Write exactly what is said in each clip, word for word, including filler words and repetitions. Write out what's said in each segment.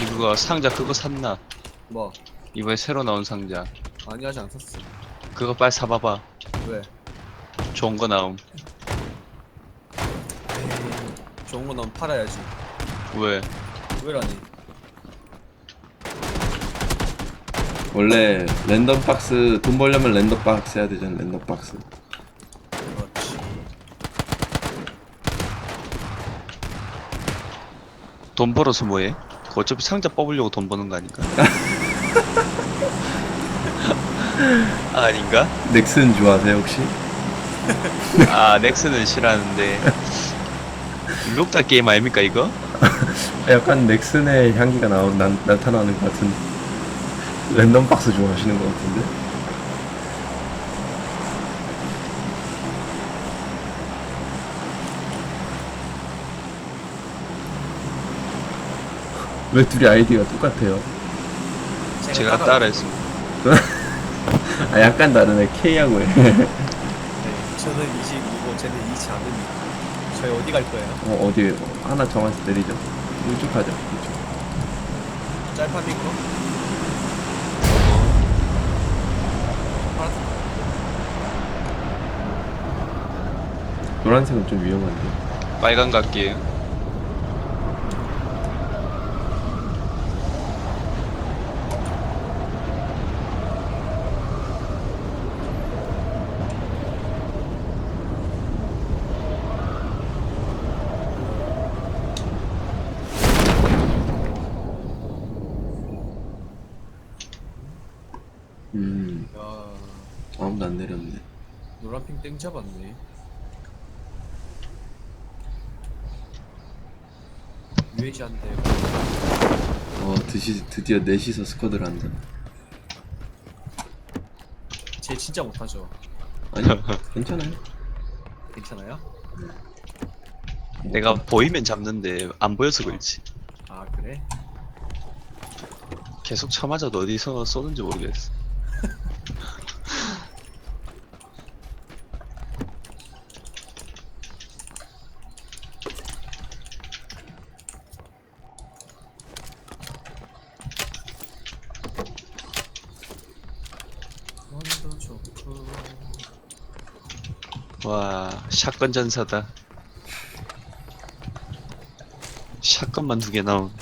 이거 상자 그거 샀나? 뭐? 이번에 새로 나온 상자. 아니 아직 안 샀어. 그거 빨리 사봐봐. 왜? 좋은 거 나옴. 에이, 좋은 거 나면 팔아야지. 왜? 왜라니? 원래 랜덤 박스 돈 벌려면 랜덤 박스 해야 되잖아. 랜덤 박스. 그렇지. 돈 벌어서 뭐해? 그거 어차피 상자 뽑으려고 돈 버는 거 아닌가? 아, 아닌가? 넥슨 좋아하세요 혹시? 아, 넥슨은 싫어하는데. 룩다 게임 아닙니까 이거? 약간 넥슨의 향기가 나, 나, 나타나는 것 같은. 랜덤 박스 좋아하시는 것 같은데? 왜 둘이 아이디가 똑같아요? 제가 따라했습니다. 아 약간 다르네. K하고 해. 네, 저는 이십이고 쟤는 이지 않습니다. 저희 어디 갈 거예요? 어, 어디 어, 하나 정해서 내리죠. 이쪽 가자. 이쪽. 짤파밍 거? 파란색. 노란색은 좀 위험한데. 빨간 갈게요. 음, 야, 아무도 안 내렸네. 노란핑 땡 잡았네. 유해지한테 어, 드시, 드디어 넷이서 스쿼드를 한다. 쟤 진짜 못하죠. 아니, 괜찮아요. 괜찮아요? 내가 보이면 잡는데 안 보여서 그렇지. 아 그래? 계속 쳐맞아도 어디서 쏘는지 모르겠어. 원도 좋고. 와, 샷건 전사다. 샷건만 두 개 나온.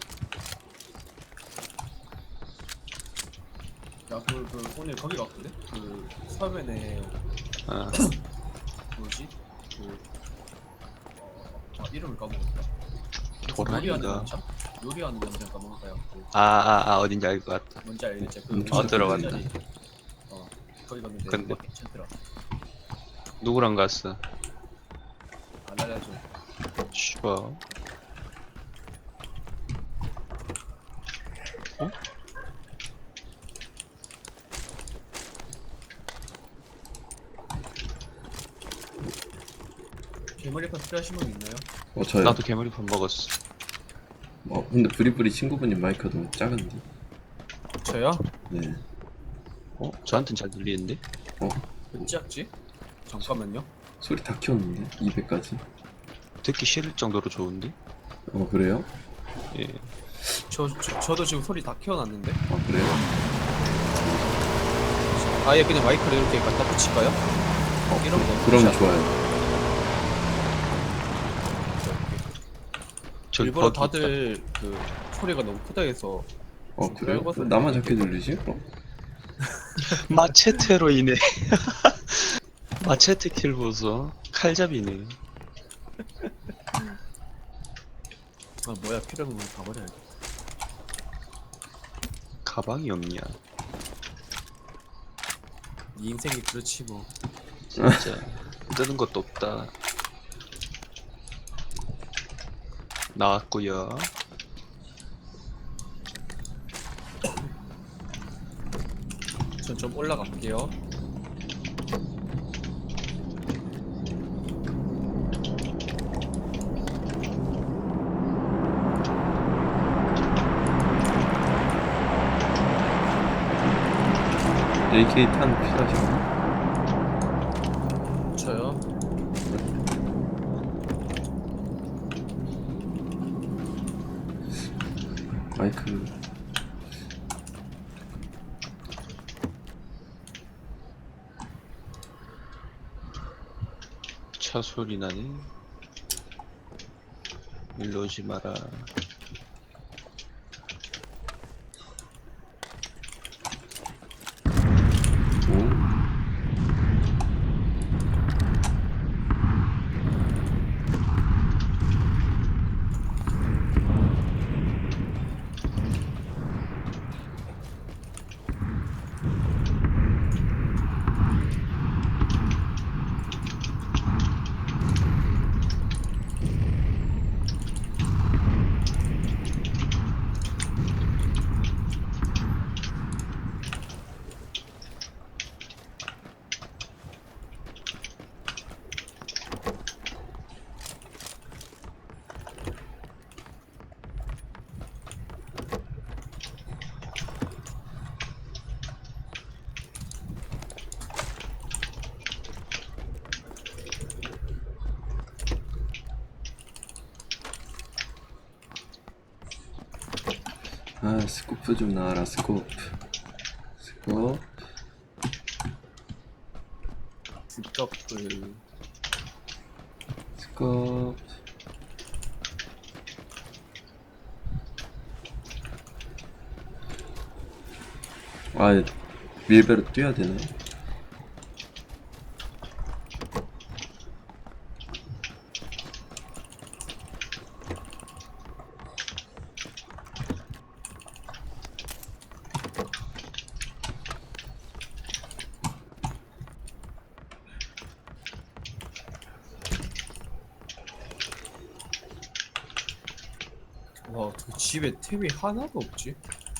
야, 그, 그, 오늘 거기 갔거든? 그, 서면에, 아, 뭐지? 그, 어, 아, 이름을 까먹었다. 도라이가. 요리하는 남자? 요리하는 남자 까먹을까요? 그, 아, 아, 아, 어딘지 알 것 같다. 뭔지 알겠지? 그, 음, 어, 들어갔다. 자리. 어, 거기 갔는데, 근데- 막 괜찮더라. 누구랑 갔어? 안 알려줘. 쉬워. 어? 개머리판 필요하신 분 있나요? 어, 저요. 나도 개머리판 먹었어. 어, 근데 브리브리 친구분님 마이크가 너무 작은데. 저요? 네. 어? 저한텐 잘 들리는데? 어, 몇 작지? 잠깐만요. 소리 다 키웠는데? 이백까지. 듣기 싫을 정도로 좋은데? 어, 그래요? 예. 저, 저, 저도 지금 소리 다 키워놨는데? 아, 그래요? 아예 그냥 마이크를 이렇게 갖다 붙일까요? 어, 이런 거 그러면 샷. 좋아요. 저기 일부러 거기 다들 그 소리가 너무 크다 해서 어, 그래요? 넓어서 나만 작게 들리지? 어? 있다. 마체테로 인해. 마체테 킬 보소. 칼잡이네. 아 뭐야 필요한 건 다 버려야겠다. 가방이 없냐? 네 인생이 그렇지 뭐. 진짜 뜨는 것도 없다. 나왔구요. 전 좀 올라갈게요. 에이케이 탄 필요하신가요? 저요. 마이크. 차 소리 나네. 일로 오지 마라. 오. 아, 스코프 좀 나와라, 스코프. 스코프. 스커플. 스코프. 아, 밀배로 뛰어야 되나? 와, 그 집에 템이 하나도 없지?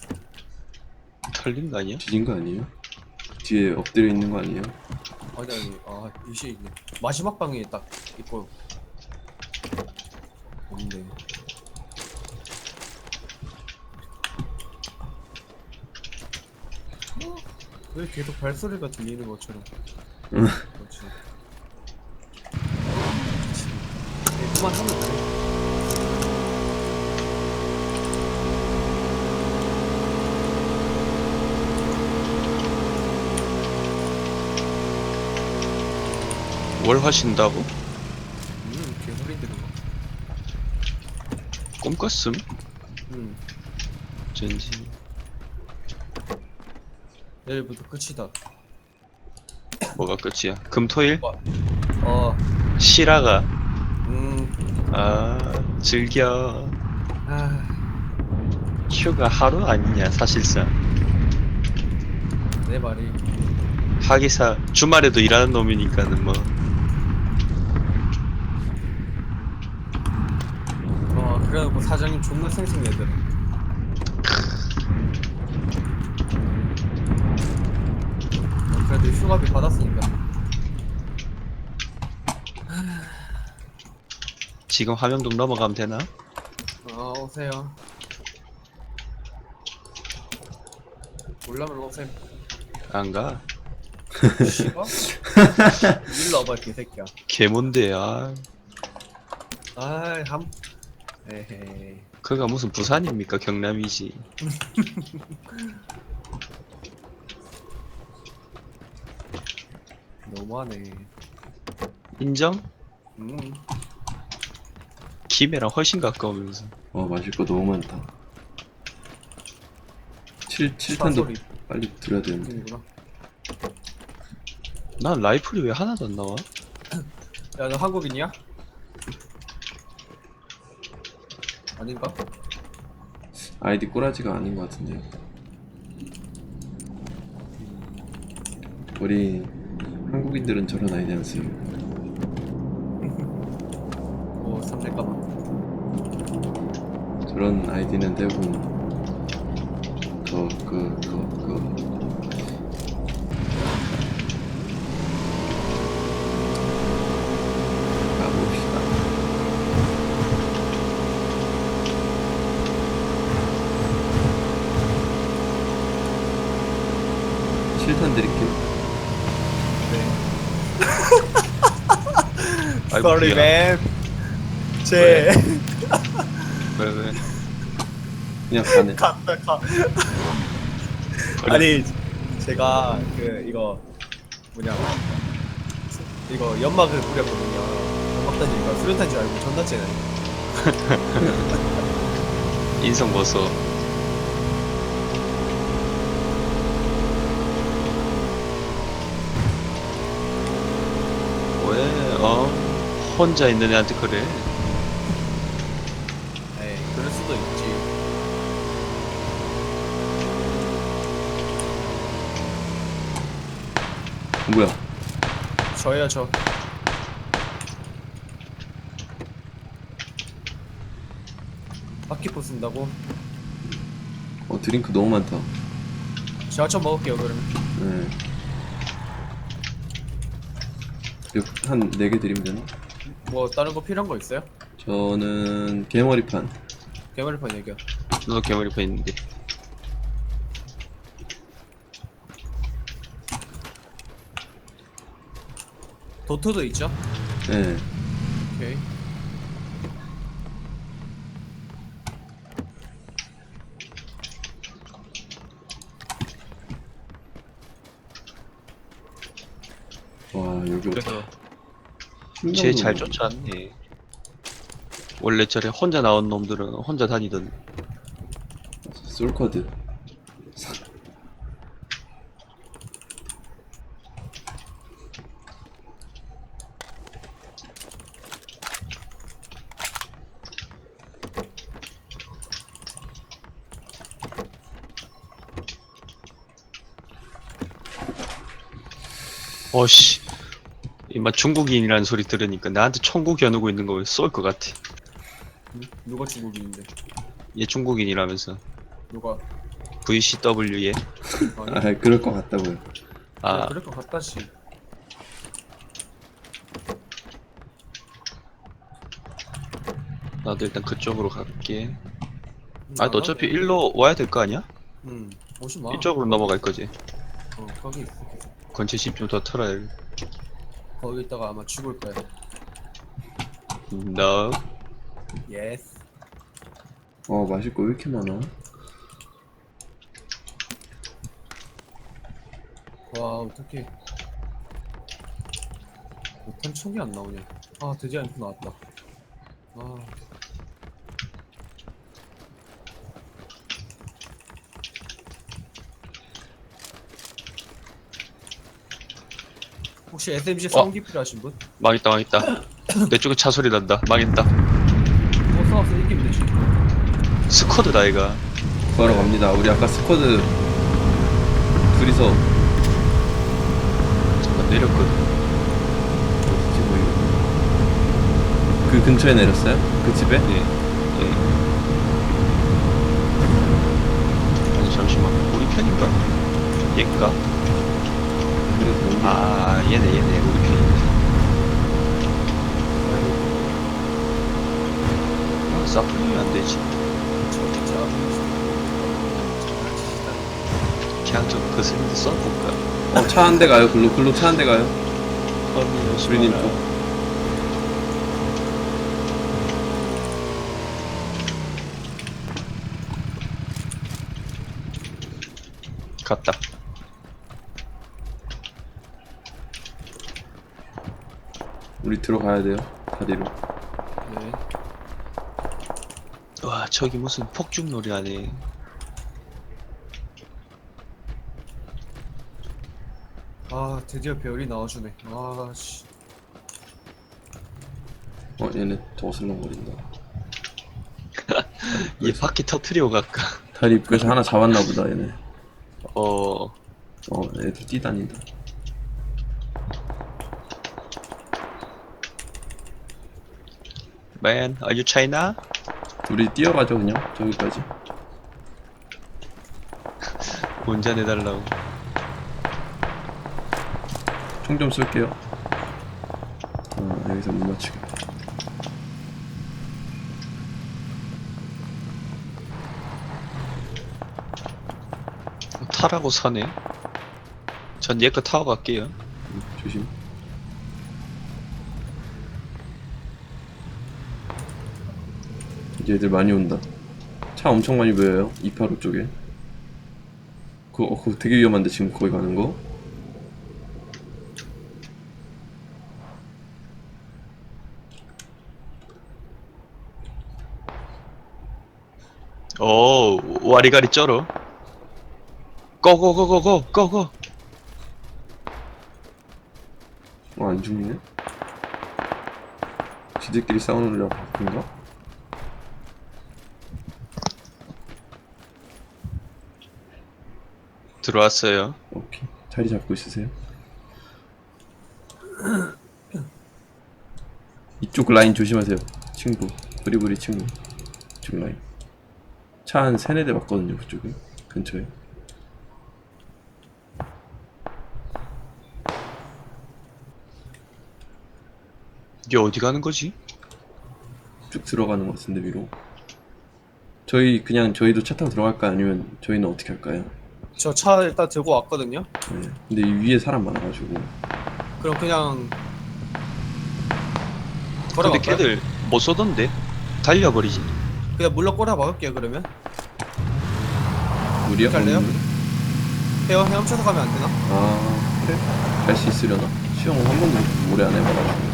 털린 거 아니야? 뒤진 거 아니에요? 뒤에 엎드려 있는 거 아니에요? 아니 아니, 아 이시 있네. 마지막 방에 딱 있고 없네. 어? 왜 계속 발소리가 들리는 것처럼? 응. 그렇지. 그렇지. 네, 그만하면 돼. 뭘 하신다고? 음, 개소리 들은 거. 꿈꿨음? 음, 젠지. 내일부터 끝이다. 뭐가 끝이야? 금토일? 어, 실화가. 음, 아, 즐겨. 아, 휴가 하루 아니냐, 사실상. 내 말이. 하기사, 주말에도 일하는 놈이니까는 뭐. 어, 그래놓고 사장님 존나 생생내더라. 어, 그래도 휴가비 받았으니까. 지금 화명동 넘어가면 되나? 어, 오세요. 올라면 오세요. 안 가. 싫어? 일로 와봐, 개새끼야. 개몬데, 아. 아이, 함. 에헤이. 그가 무슨 부산입니까? 경남이지. 너무하네. 인정? 음. 김해랑 훨씬 가까우면서. 어, 마실 거 너무 많다. 칠, 칠 탄도 차소리 빨리 들어야 되는데. 들리구나. 난 라이플이 왜 하나도 안 나와? 야, 너 한국인이야? 아닌가? 아이디 꼬라지가 아닌 것 같은데요. 우리 한국인들은 저런 아이디 안 써요. 오, 삼색가방. 저런 아이디는 대부분 그, 그, 그, 그 가봅시다. 칠탄 드릴게요. 네. 아이고, Sorry, 미안. man. 제. 왜, 왜? 그냥 가네. 갔다 가. 아니 제가 그 이거 뭐냐 이거 연막을 뿌렸거든요. 연막 던지니까 수류탄 줄 알고 존나 째네. 인성 벗어. 왜, 어? 혼자 있는 애한테 그래? 에이 그럴 수도 있지. 뭐야? 저예요 저. 바퀴포 쓴다고? 어 드링크 너무 많다. 제가 좀 먹을게요 그러면. 네. 한 네 개 드리면 되나? 뭐 다른 거 필요한 거 있어요? 저는 개머리판. 개머리판 얘기야. 너도 개머리판 있는데. 도트도 있죠? 네. 오케이. 와 여기 그래서 쟤 잘 쫓아왔네. 원래 저래 혼자 나온 놈들은 혼자 다니던. 솔코드. 어씨. 이마 중국인이라는 소리 들으니까 나한테 총구 겨누고 있는 거 쏠 것 같아. 응? 누가 중국인인데? 얘 중국인이라면서. 누가? 브이씨더블유에. 아니? 아 그럴 것 같다고요. 아, 아 그럴 것 같다시. 나도 일단 그쪽으로 갈게. 음, 아, 너 어차피 일로 와야 될 거 아니야? 응. 오지 마. 이쪽으로 넘어갈 거지. 어 거기 있어 계속. 건체 십 좀 더 털어야 돼. 거기 있다가 아마 죽을 거야. No. 예스. 어 마실 거 왜 이렇게 많아? 와 어떡해. 못한 척이 안 나오냐. 아 드디어 앰프 나왔다. 아 혹시 에스엠지 사운기 필요하신 분? 망했다, 망했다. 내 쪽에 차 소리 난다. 망했다. 어 싸워서 이기면 되지. 스쿼드다, 얘가. 구하러 갑니다. 우리 아까 스쿼드 둘이서 잠깐 내렸거든. 어디지 뭐 이거. 그 근처에 내렸어요? 그 집에? 네. 네. 아니, 잠시만. 우리 편인가? 얘인가? 그래서 넘기. 아, 얘네, 얘네. 우리 편이네. 아, 싸풀리면 안 되지. 저기 잡으면 장난치시다. 그냥 좀 거슬리게 써볼까? 어 차 한 대 가요. 글로 글로 차 한 대 가요. 허미 수리님 여수님 쪽. 갔다. 우리 들어가야 돼요. 다리로. 네. 와, 저기 무슨 폭죽놀이 하네. 아 드디어 배열이 나와주네. 아씨. 어 얘네 더 어슬렁거린다. 얘 바퀴 터트리고 갈까? 다리 입구에서 하나 잡았나 보다 얘네. 어, 어 애들 뛰다닌다. man, are you China? 우리 뛰어가죠 그냥 저기까지. 운전해달라고. 총 좀 쏠게요. 어 여기서 못 맞추게. 타라고 사네. 전 얘 거 타고 갈게요. 음, 조심. 이제 애들 많이 온다. 차 엄청 많이 보여요. 이팔오 쪽에. 그거, 어, 그거 되게 위험한데 지금 거기 가는 거? 오, 와리가리 쩔어. 고고고고고 고고. 어, 안 죽네? 지들끼리 싸우느라 바쁜가? 들어왔어요. 오케이. 자리 잡고 있으세요. 이쪽 라인 조심하세요. 친구. 브리브리 친구. 이쪽 라인. 차 한 세네 대 봤거든요, 그쪽에. 근처에. 이게 어디 가는 거지? 쭉 들어가는 것 같은데, 위로. 저희, 그냥 저희도 차 타고 들어갈까요? 아니면 저희는 어떻게 할까요? 저 차 일단 들고 왔거든요. 네. 근데 이 위에 사람 많아가지고. 그럼 그냥 근데 걸어갈까요? 걔들 못 쏘던데? 달려버리지. 그냥 물러 꼬라 박을게요 그러면. 우리야? 갈래요? 없는? 헤엄 헤엄쳐서 가면 안 되나? 아, 그래? 갈 수 있으려나? 시험 한 번도 오래 안 해봐가지고.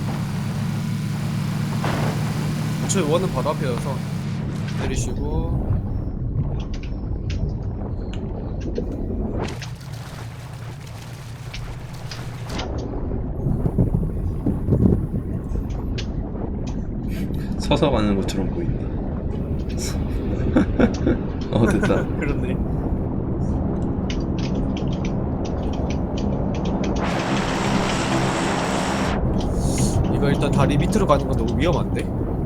저희 원은 바로 앞이어서 내리시고. 서서 가는 것처럼 보인다. 어, 됐다. 그렇네. 이거 일단 다리 밑으로 가는 건 너무 위험한데?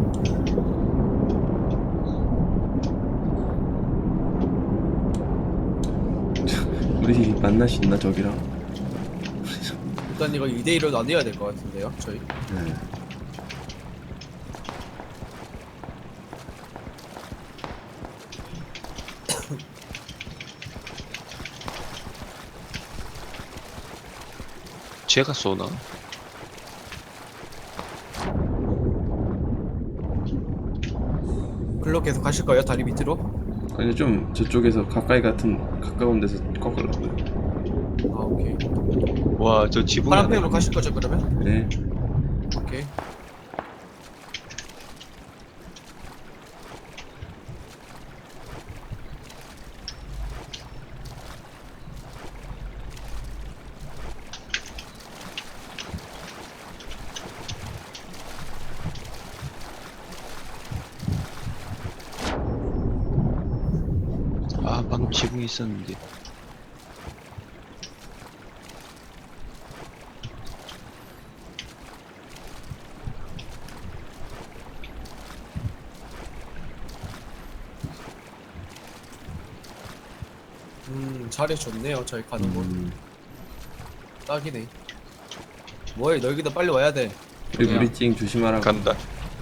우리 만날 수 있나, 저기랑? 일단 이거 이 대 일로 나뉘어야 될 것 같은데요 저희. 네. 쟤가 쏘나? 글로 계속 가실 거예요 다리 밑으로? 아니, 좀 저쪽에서 가까이 같은, 가까운 데서 꺾으려고요. 아 오케이. 와, 저 지붕이 하나 파란색으로 있네. 가실 거죠 그러면? 네. 오케이. 아, 방금 지붕이 있었는데. 음 자리 좋네요 저희 가는 곳. 음, 딱이네. 뭐해 너희들 빨리 와야 돼. 우리 브리징 조심하라고. 간다.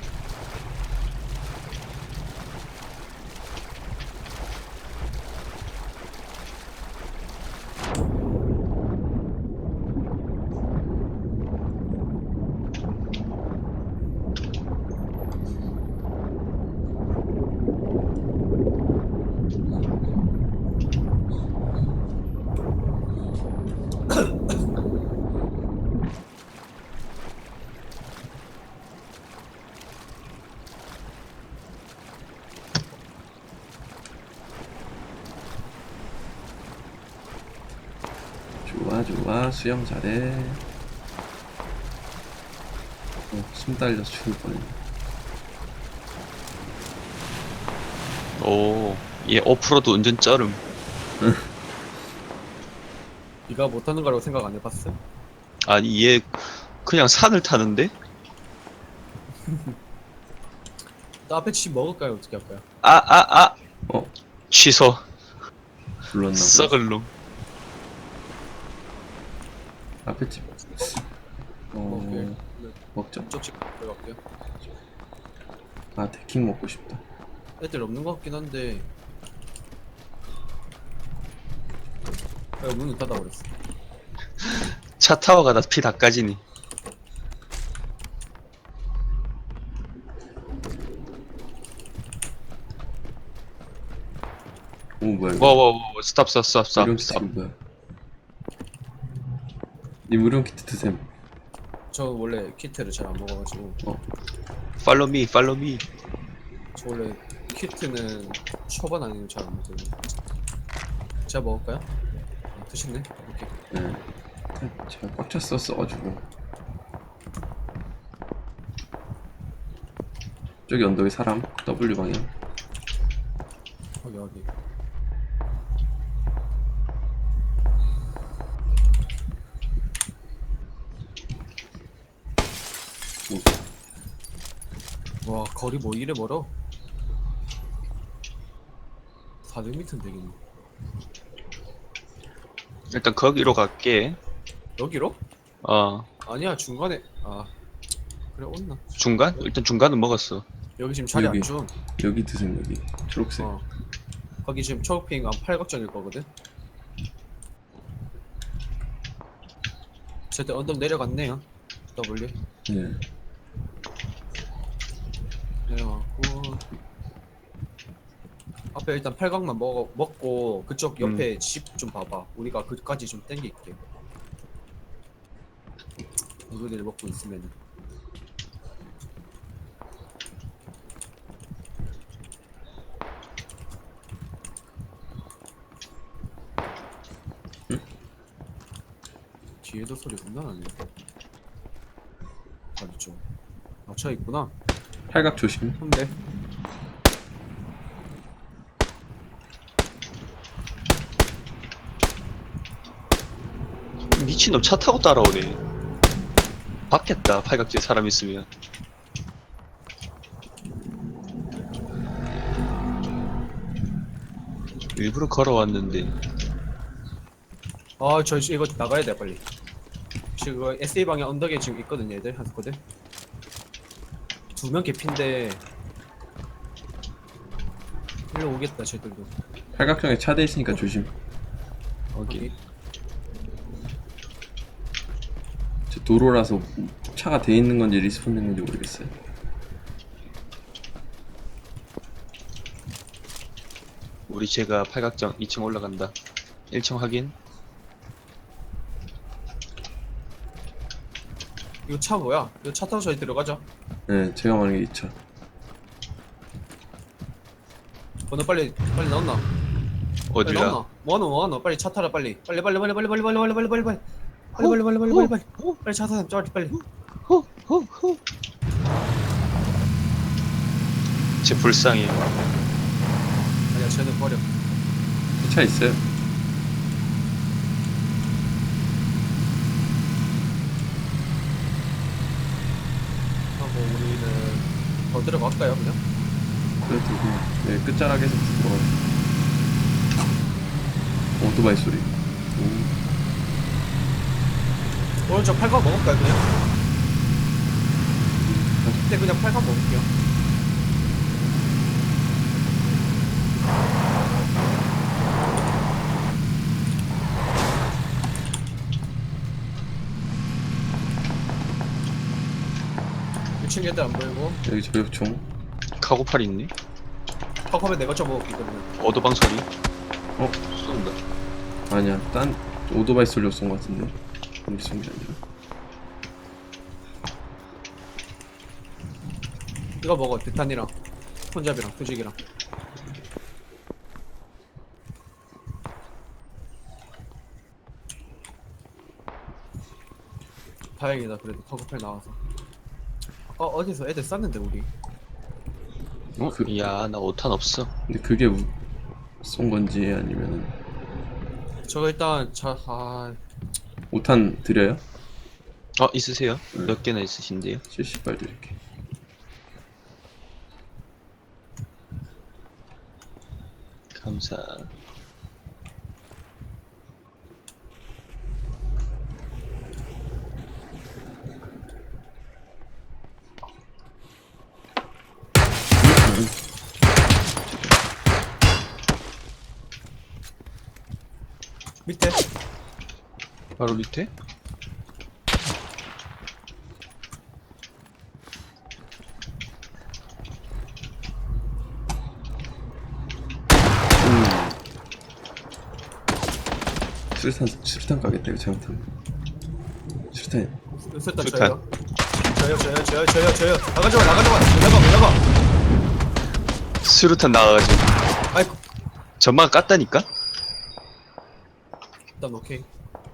좋아, 좋아. 수영 잘해. 어, 숨 딸려서 죽을 뻔했네. 오, 얘 오프로드 운전 쩔음. 네가 못하는 거라고 생각 안 해봤어? 아니, 얘 그냥 산을 타는데? 또 앞에 치 먹을까요 어떻게 할까요? 아, 아, 아! 어, 취소. 불렀나 보다. 썩을 놈. 앞에 집. 어, 오케이. 먹자. 이쪽씩 들어갈게요. 아, 데킹 먹고 싶다. 애들 없는 것 같긴 한데. 아, 문을 닫아버렸어. 차 타고 가다 피 다 까지니. 오 뭐야 이거? 와와와 스탑 스탑 스탑 스탑 의료용 스탑. 키트 뭐야? 님 의료용 키트 드셈. 저 원래 키트를 잘 안 먹어가지고. 어. 팔로우 미 팔로우 미. 저 원래 키트는 초반 아니면 잘 안 먹거든요. 제가 먹을까요? 아, 드셨네? 오케이. 네. 제가 꽉 찼어 써가지고. 저기 언덕에 사람 W 방향. 여기 여기. 와 거리 뭐 이래 멀어? 사백 미터는 되겠네. 일단 거기로 갈게. 여기로? 어 아니야 중간에. 아 그래 온나. 중간? 일단 중간은 먹었어. 여기 지금 자리 여기. 안 줘. 여기 드셈 여기. 초록색. 어. 거기 지금 초록핑 한 팔각정일 거거든. 저때 언덕 내려갔네요. W 네. 내려갔고 앞에 일단 팔각만 먹어 먹고 그쪽 옆에 집 좀 봐봐. 우리가 그까지 좀 땡길게. 우리들 먹고 있으면은. 뒤에도 소리 겁나 나네. 맞죠? 맞춰 있구나. 팔각 조심. 근데 미친놈 차 타고 따라오네. 받겠다 팔각지에 사람 있으면. 일부러 걸어왔는데. 아 저 이거 나가야 돼 빨리. 지금 에스에이 방향 언덕에 지금 있거든요 얘들 한 스쿼드. 두 명 개핀데 일로 오겠다 쟤들도. 팔각정에 차대 있으니까 조심. 거기. 여기 저 도로라서 차가 돼 있는 건지 리스폰 됐는지 모르겠어요. 우리 제가 팔각정 이 층 올라간다. 일 층 확인. 이거 차 뭐야? 이거 차 타고 저희 들어가자. 네, 제가 말하는 게 이 차. 번호 빨리 빨리 나온나? 빨리 어디라? 나온나? 뭐하노 뭐하노? 빨리 차 타라 빨리. 빨리 빨리 빨리 빨리 빨리 빨리 빨리 빨리 빨리 빨리 빨리 빨리 빨리 빨리 빨리 빨리 빨리 차 타라 빨리 빨리. 호호호. 제 불쌍해. 아니야 쟤는 버려. 차 있어요. 하고 우리는 더 들어갈까요 그냥? 그래도 그냥 네, 끝자락에서 들어가. 오토바이 소리. 오. 오른쪽 팔각 먹을까요 그냥? 그때 그냥 팔각 먹을게요. 일 층 애들 안 보이고 여기 저격총. 카고팔 있니? 턱업에 내가 좀 먹었거든요. 어도방 소리. 어? 쏜다. 아니야, 딴 오토바이 소리로 쏜 것 같은데. 우리 쏜 게 아니라. 이거 먹어 대탄이랑 혼잡이랑 투직이랑. 다행이다 그래도 커브팔 나와서. 아까 어디서 애들 쐈는데 우리. 어? 그- 이야 나 오탄 없어. 근데 그게 우- 쏜 건지 아니면은 저거 일단 자 아. 오탄 드려요? 어 있으세요? 네. 몇 개나 있으신데요? 칠십 발 드릴게. 감사. 밑에 바로 밑에? 수류탄 수류탄 가겠다 이거 잘못하면. 수류탄. 수류탄 수류탄. 저요. 저요 저요 저요 저요 저요. 나가지마 나가지마. 나가 나가. 수류탄 나와가지고 아이고. 전망 깠다니까? 일단 오케이.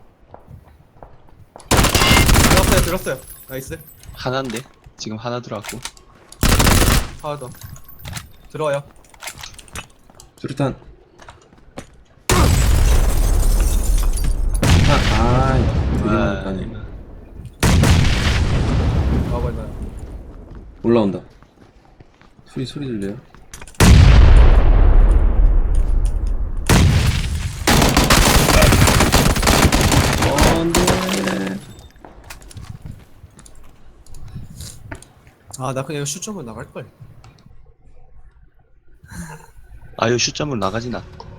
들었어요 들었어요. 나이스. 하나인데 지금 하나 들어왔고. 하나 더. 들어와요. 수류탄. 아, 아, 되게 많이 가네. 나와봐 나. 올라온다. 소리 소리 들려요? 어, 안돼. 아나 그냥 슛점으로 나갈 걸. 아유 슛점으로 나가진 않고.